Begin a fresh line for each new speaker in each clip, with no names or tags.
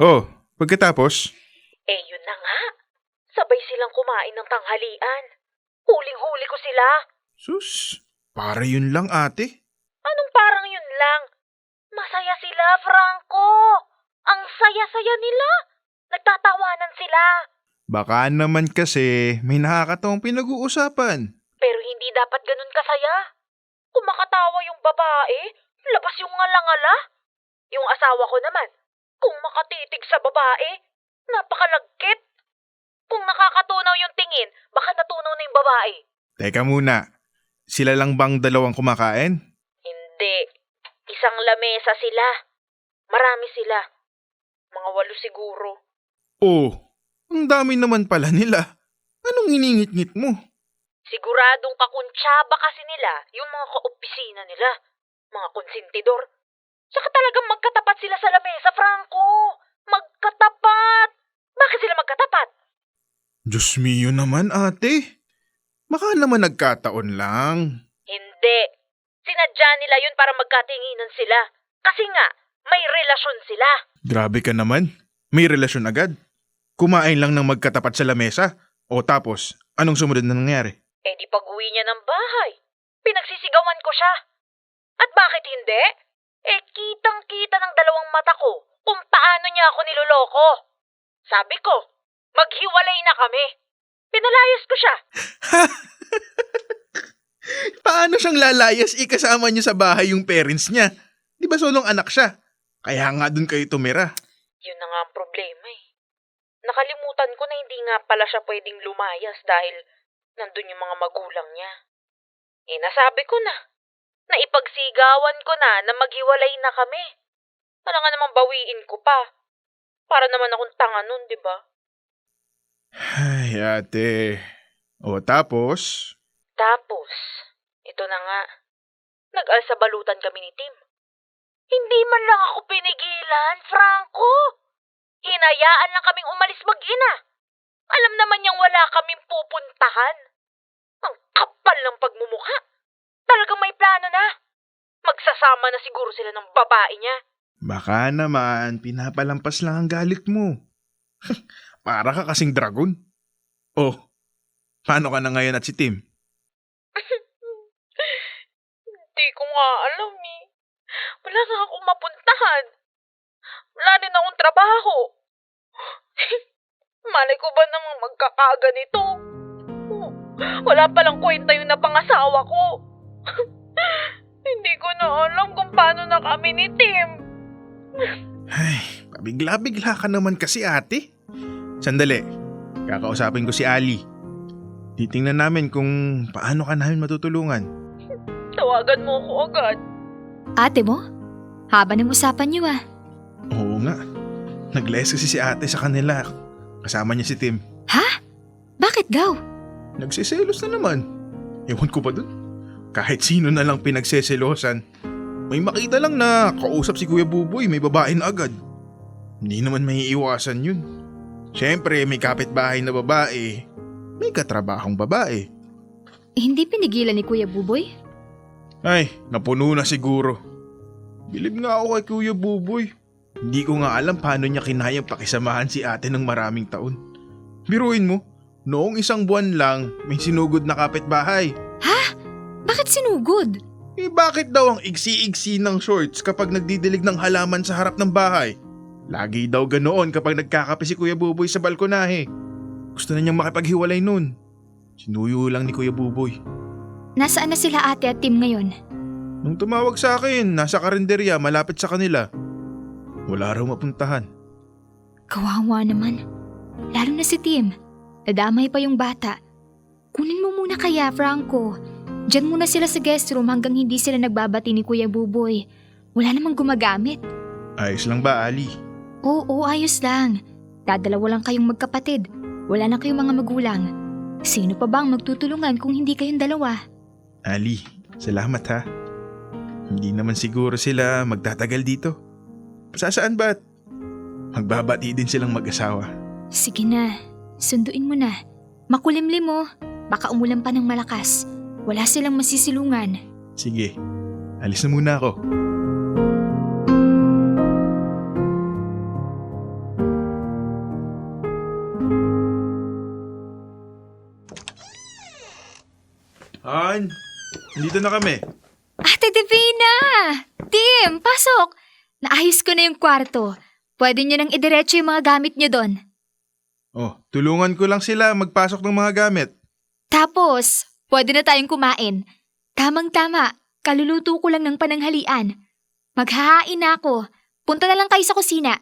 Oh, pagkatapos?
Yun na nga. Sabay silang kumain ng tanghalian. Huling-huli ko sila.
Sus, para yun lang ate.
Anong parang yun lang? Masaya sila, Franco. Ang saya-saya nila. Nagtatawanan sila.
Baka naman kasi may nakakatawang pinag-uusapan.
Pero hindi dapat ganun kasaya. Kung makatawa yung babae, labas yung ngala-ngala. Yung asawa ko naman, kung makatitig sa babae, napakalagkit. Kung nakakatunaw yung tingin, baka natunaw na yung babae.
Teka muna, sila lang bang dalawang kumakain?
Hindi. Isang lamesa sila. Marami sila. Mga 8 siguro.
Oh, ang dami naman pala nila. Anong iningit-ngit mo?
Siguradong kakuntsaba kasi nila yung mga kaopisina nila. Mga konsentidor. Saka talagang magkatapat sila sa lamesa, Franco. Magkatapat. Bakit sila magkatapat?
Diyos mio naman ate. Baka naman nagkataon lang.
Hindi. Sinadya nila yun para magkatinginan sila. Kasi nga, may relasyon sila.
Grabe ka naman. May relasyon agad. Kumain lang ng magkatapat sa lamesa. O tapos, anong sumunod na nangyari?
Di pag-uwi niya ng bahay. Pinagsisigawan ko siya. At bakit hindi? Kitang-kita ng dalawang mata ko kung paano niya ako niloloko. Sabi ko, maghiwalay na kami. Pinalayas ko siya.
Paano siyang lalayas ikasama niyo sa bahay yung parents niya? Di ba solong anak siya? Kaya nga dun kayo tumira.
Yun na nga ang problema eh. Nakalimutan ko na hindi nga pala siya pwedeng lumayas dahil nandun yung mga magulang niya. Nasabi ko na. Naipagsigawan ko na maghiwalay na kami. Wala nga namang bawiin ko pa. Para naman akong tanga nun, di ba?
Ay ate. O tapos?
Tapos, ito na nga. Nag-alsabalutan kami ni Tim. Hindi man lang ako pinigilan, Franco. Hinayaan lang kaming umalis mag-ina. Alam naman niyang wala kaming pupuntahan. Ang kapal ng pagmumukha. Talagang may plano na. Magsasama na siguro sila ng babae niya.
Baka naman, pinapalampas lang ang galit mo. Para ka kasing dragon. Oh, paano ka na ngayon at si Tim?
Hindi ko nga alam eh. Wala nga akong mapuntahan. Wala din akong trabaho. Malay ko ba namang magkakaganito? Wala palang kwenta yung napangasawa ko. Hindi ko na alam kung paano na kami ni Tim.
Ay, pabigla-bigla ka naman kasi ate. Sandali, kakausapin ko si Ali. Titingnan namin kung paano ka namin matutulungan.
Tawagan mo ako agad.
Ate mo? Haba ng usapan niyo ah.
Oo nga, nag-less kasi si ate sa kanila. Kasama niya si Tim.
Ha? Bakit daw?
Nagsiselos na naman. Ewan ko ba dun? Kahit sino na lang pinagseselosan. May makita lang na kausap si Kuya Buboy, may babae na agad. Hindi naman may iwasan yun. Siyempre, may kapitbahay na babae. May katrabahong babae.
Hindi pinigilan ni Kuya Buboy?
Ay, napuno na siguro. Bilib nga ako kay Kuya Buboy. Hindi ko nga alam paano niya kinayang pakisamahan si ate ng maraming taon. Biruin mo, noong 1 buwan lang may sinugod na kapitbahay.
Ha? Bakit sinugod?
Bakit daw ang iksi-iksi ng shorts kapag nagdidilig ng halaman sa harap ng bahay? Lagi daw ganoon kapag nagkakape si Kuya Buboy sa balkonahe. Gusto na niyang makipaghiwalay nun. Sinuyo lang ni Kuya Buboy.
Nasaan na sila ate at Tim ngayon?
Nung tumawag sa akin, nasa karinderya malapit sa kanila. Wala raw mapuntahan.
Kawawa naman. Lalo na si Tim. Nadamay pa yung bata. Kunin mo muna kaya, Franco. Diyan muna sila sa guest room hanggang hindi sila nagbabati ni Kuya Buboy. Wala namang gumagamit.
Ayos lang ba, Ali?
Oo, ayos lang. Dadalawa lang kayong magkapatid. Wala na kayong mga magulang. Sino pa bang magtutulungan kung hindi kayong dalawa?
Ali, salamat ha. Hindi naman siguro sila magtatagal dito. Saan ba't? Magbabati din silang mag-asawa.
Sige na, sunduin mo na. Makulimlim mo. Baka umulan pa ng malakas. Wala silang masisilungan.
Sige, alis na muna ako. Han, nandito na kami.
Ate Divina! Tim, pasok! Naayos ko na yung kwarto. Pwede nyo nang idiretso yung mga gamit nyo doon.
Oh, tulungan ko lang sila magpasok ng mga gamit.
Tapos, pwede na tayong kumain. Tamang-tama, kaluluto ko lang ng pananghalian. Maghahain na ako. Punta na lang kayo sa kusina.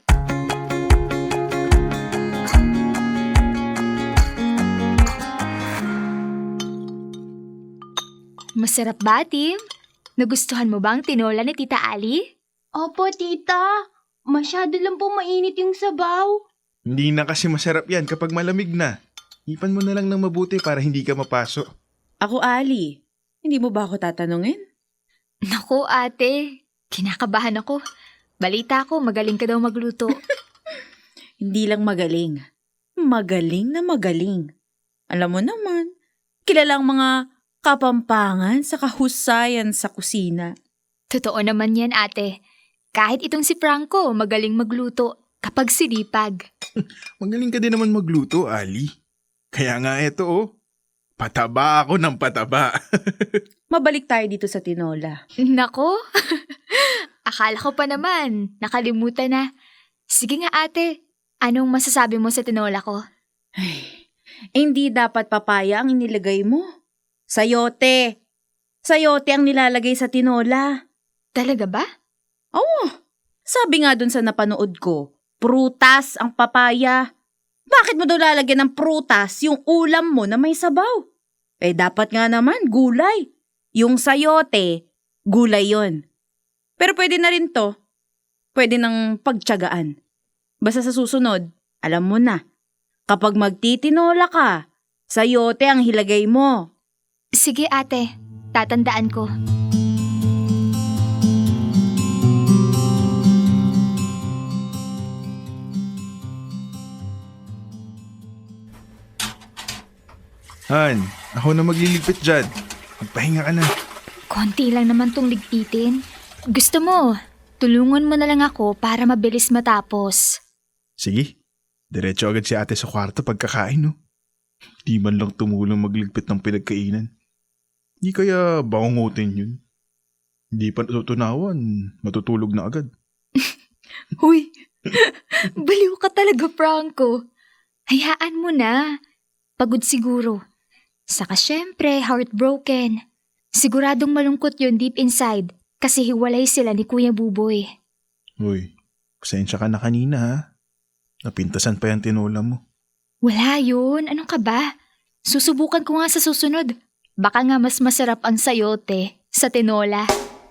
Masarap ba, Tim? Nagustuhan mo bang tinola ni Tita Ali?
Opo, tita. Masyado lang po mainit yung sabaw.
Hindi na kasi masarap yan kapag malamig na. Ipan mo na lang ng mabuti para hindi ka mapaso.
Ako, Ali. Hindi mo ba ako tatanungin?
Naku, ate. Kinakabahan ako. Balita ko, magaling ka daw magluto.
Hindi lang magaling. Magaling na magaling. Alam mo naman, kilalang mga kapampangan sa kahusayan sa kusina.
Totoo naman yan, ate. Kahit itong si Franco, magaling magluto kapag sinipag.
Magaling ka din naman magluto, Ali. Kaya nga eto oh. Pataba ako ng pataba.
Mabalik tayo dito sa tinola.
Nako, akala ko pa naman, nakalimutan na. Sige nga ate, anong masasabi mo sa tinola ko?
Hindi dapat papaya ang inilagay mo. Sayote. Sayote ang nilalagay sa tinola.
Talaga ba?
Oo. Sabi nga dun sa napanood ko, prutas ang papaya. Bakit mo daw lalagyan ng prutas yung ulam mo na may sabaw? Eh dapat nga naman gulay. Yung sayote, gulay yon. Pero pwede na rin to. Pwede nang pagtiyagaan. Basta sa susunod, alam mo na. Kapag magtitinola ka, sayote ang hilagay mo.
Sige ate, tatandaan ko.
Han, ako na magliligpit dyan. Magpahinga ka na.
Konti lang naman tong ligpitin. Gusto mo, tulungan mo na lang ako para mabilis matapos.
Sige, diretso agad si ate sa kwarto pagkakain no. Di man lang tumulong magligpit ng pinagkainan. Di kaya bangungutin yun. Di pa natutunawan, matutulog na agad.
Huy, baliw ka talaga, Franco. Hayaan mo na. Pagod siguro. Saka syempre, heartbroken. Siguradong malungkot yun deep inside kasi hiwalay sila ni Kuya Buboy.
Uy, pasensya ka na kanina ha. Napintasan pa yung tinola mo.
Wala yun. Anong ka ba? Susubukan ko nga sa susunod. Baka nga mas masarap ang sayote sa tinola.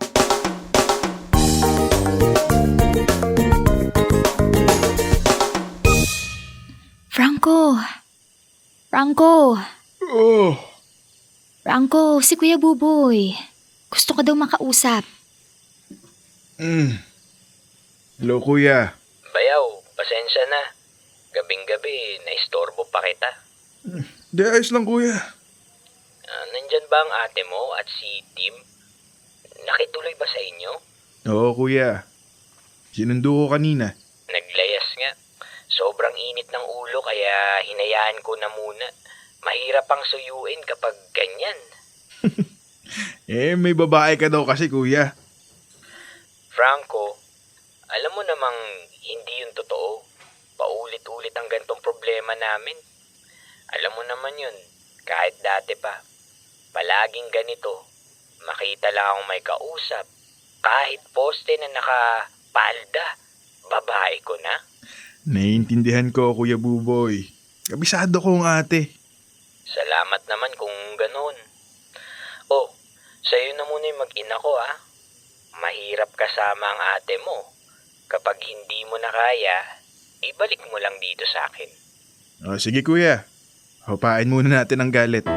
Franco! Franco!
Oh!
Franco, si Kuya Buboy. Gusto ko daw makausap.
Hello kuya.
Bayaw, pasensya na. Gabing-gabi, naistorbo pa kita.
Di ayos lang kuya.
Nandyan ba ang ate mo at si Tim? Nakituloy ba sa inyo?
Oo kuya. Sinundo ko kanina.
Naglayas nga. Sobrang init ng ulo kaya hinayaan ko na muna. Mahirap pang suyuin kapag ganyan.
May babae ka daw kasi kuya.
Franco, alam mo namang hindi yun totoo. Paulit-ulit ang gantong problema namin. Alam mo naman yun, kahit dati pa. Palaging ganito. Makita lang akong may kausap. Kahit poste na nakapalda, babae ko na.
Naiintindihan ko Kuya Buboy. Kabisado ko ang ate.
Salamat naman kung ganun. Oh, sa'yo na muna yung mag-ina ko ha. Mahirap kasama ang ate mo. Kapag hindi mo na kaya, ibalik mo lang dito sa akin.
Sige kuya. Hupain muna natin ang galit.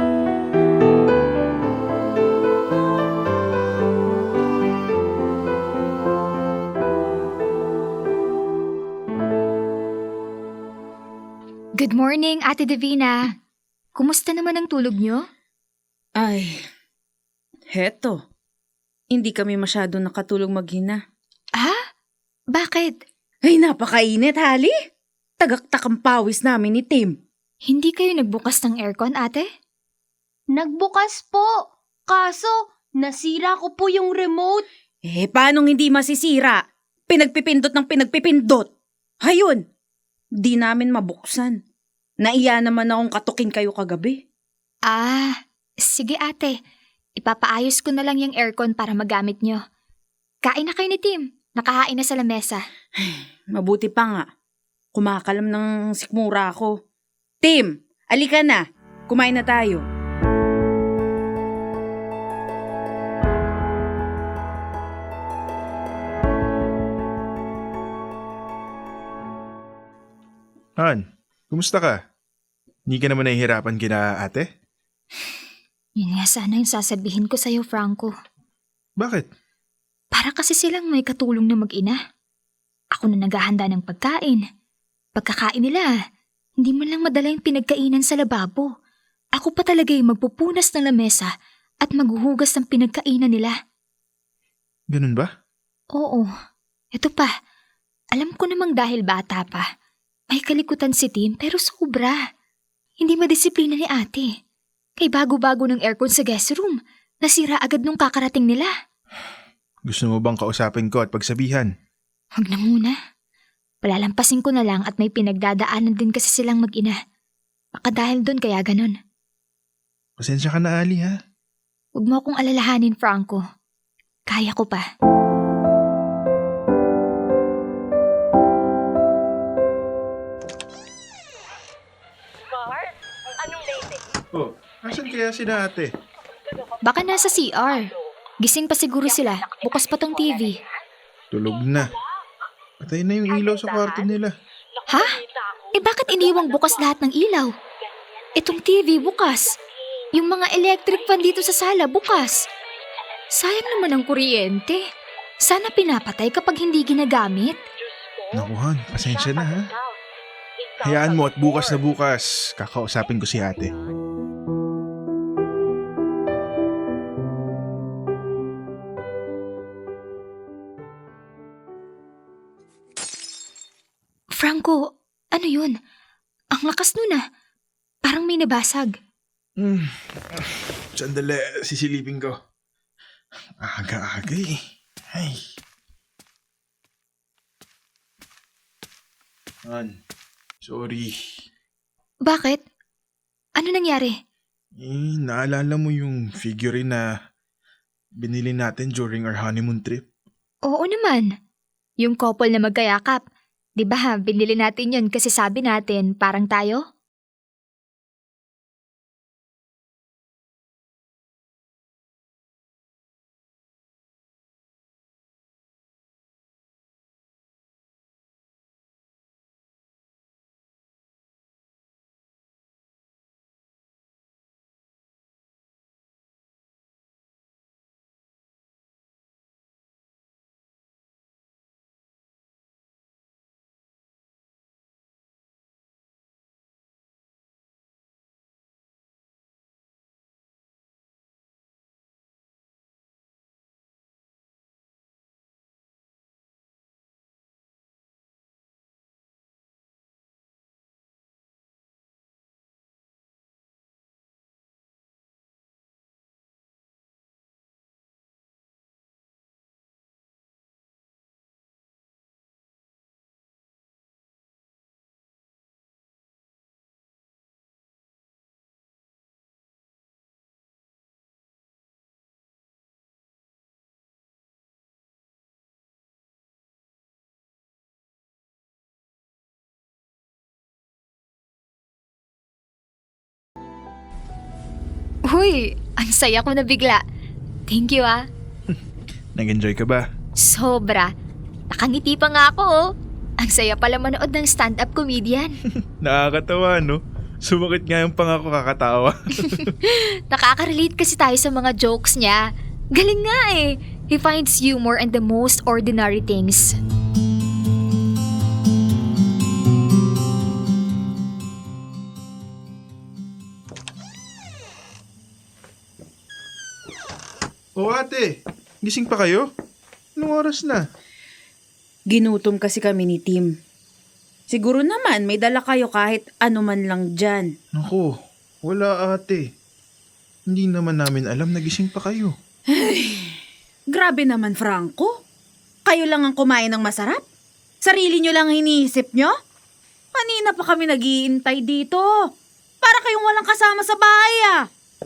Good morning, Ate Divina. Kumusta naman ang tulog nyo?
Ay, heto. Hindi kami masyado nakatulog maghina.
Ah? Bakit?
Ay, napakainit, Hali. Tagaktak ang pawis namin ni Tim.
Hindi kayo nagbukas ng aircon, ate?
Nagbukas po. Kaso, nasira ko po yung remote.
Paanong hindi masisira? Pinagpipindot ng pinagpipindot. Hayun! Di namin mabuksan. Naiya naman akong katukin kayo kagabi.
Sige ate. Ipapaayos ko na lang yung aircon para magamit nyo. Kain na kayo ni Tim. Nakahain na sa lamesa.
Mabuti pa nga. Kumakalam ng sikmura ako. Tim, alika na. Kumain na tayo.
Han, kumusta ka? Hindi ka naman nahihirapan kina ate?
Yun nga sana yung sasabihin ko sa'yo, Franco.
Bakit?
Para kasi silang may katulong na mag-ina. Ako na naghahanda ng pagkain. Pagkakain nila, hindi man lang madala yung pinagkainan sa lababo. Ako pa talaga yung magpupunas ng lamesa at maghuhugas ng pinagkainan nila.
Ganun ba?
Oo. Ito pa. Alam ko namang dahil bata pa. May kalikutan si Tim pero sobra. Hindi madisiplina ni ate. Kay bago-bago ng aircon sa guest room, nasira agad nung kakarating nila.
Gusto mo bang kausapin ko at pagsabihan?
Huwag na muna. Palalampasin ko na lang at may pinagdadaanan din kasi silang mag-ina. Baka dahil doon kaya ganon.
Pasensya ka na, Ali, ha?
Huwag mo akong alalahanin, Franco. Kaya ko pa.
Oh, asan kaya si ate?
Baka nasa CR. Gising pa siguro sila. Bukas pa tong TV.
Tulog na. Patay na yung ilaw sa kwarto nila.
Ha? Bakit iniwang bukas lahat ng ilaw? Itong TV bukas. Yung mga electric fan dito sa sala bukas. Sayang naman ang kuryente. Sana pinapatay kapag hindi ginagamit.
Naku, Han, pasensya na, ha? Hayaan mo at bukas na bukas, kakausapin ko si ate.
Franco, ano yun? Ang lakas nun ah. Parang may nabasag.
Sandali, sisilipin ko. Aga-aga eh. Ay. Han, sorry.
Bakit? Ano nangyari?
Naalala mo yung figurine na binili natin during our honeymoon trip?
Oo naman. Yung couple na magkayakap. Di ba binili natin yun kasi sabi natin parang tayo? Uy, ang saya ko na bigla. Thank you ah.
Nag-enjoy ka ba?
Sobra. Nakangiti pa nga ako oh. Ang saya pala manood ng stand-up comedian.
Nakakatawa, no? Sumakit nga yung pangako kakatawa.
Nakaka-relate kasi tayo sa mga jokes niya. Galing nga eh. He finds humor in the most ordinary things.
O ate, gising pa kayo? Anong oras na?
Ginutom kasi kami ni Tim. Siguro naman may dala kayo kahit ano man lang dyan.
Naku, wala ate. Hindi naman namin alam na gising pa kayo.
Grabe naman, Franco. Kayo lang ang kumain ng masarap? Sarili nyo lang iniisip nyo? Kanina pa kami nag-iintay dito. Para kayong walang kasama sa bahay ah.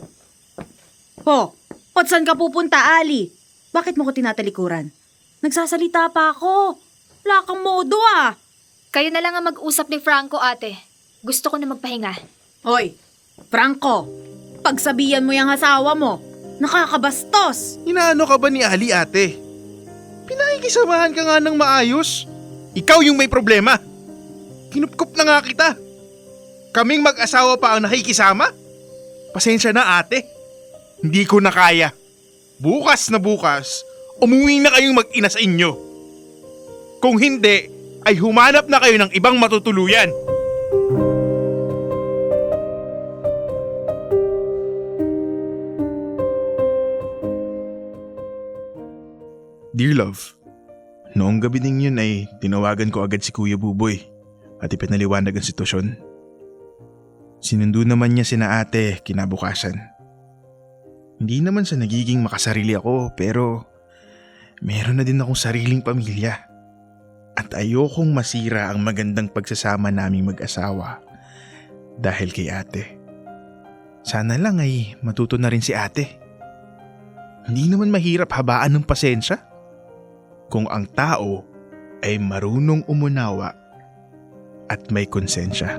At saan ka pupunta, Ali? Bakit mo ko tinatalikuran? Nagsasalita pa ako. Wala kang modo ah.
Kayo na lang ang mag-usap ni Franco, ate. Gusto ko na magpahinga.
Hoy, Franco, pagsabihan mo yung asawa mo. Nakakabastos.
Inaano ka ba ni Ali, ate? Pinakikisamahan ka nga ng maayos. Ikaw yung may problema. Kinupkup na nga kita. Kaming mag-asawa pa ang nakikisama? Pasensya na, ate. Hindi ko na kaya. Bukas na bukas, umuwi na kayong mag-ina sa inyo. Kung hindi, ay humanap na kayo ng ibang matutuluyan. Dear love, noong gabi ding yun ay tinawagan ko agad si Kuya Buboy at ipinaliwanag ang sitwasyon. Sinundo naman niya sina ate kinabukasan. Hindi naman sa nagiging makasarili ako pero meron na din akong sariling pamilya at ayokong masira ang magandang pagsasama naming mag-asawa dahil kay ate. Sana lang ay matuto na rin si ate. Hindi naman mahirap habaan ng pasensya kung ang tao ay marunong umunawa at may konsensya.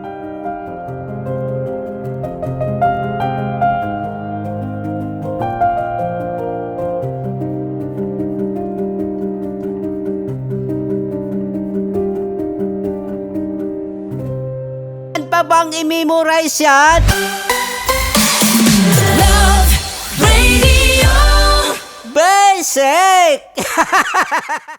Pa bang i-memorize yan? Basic!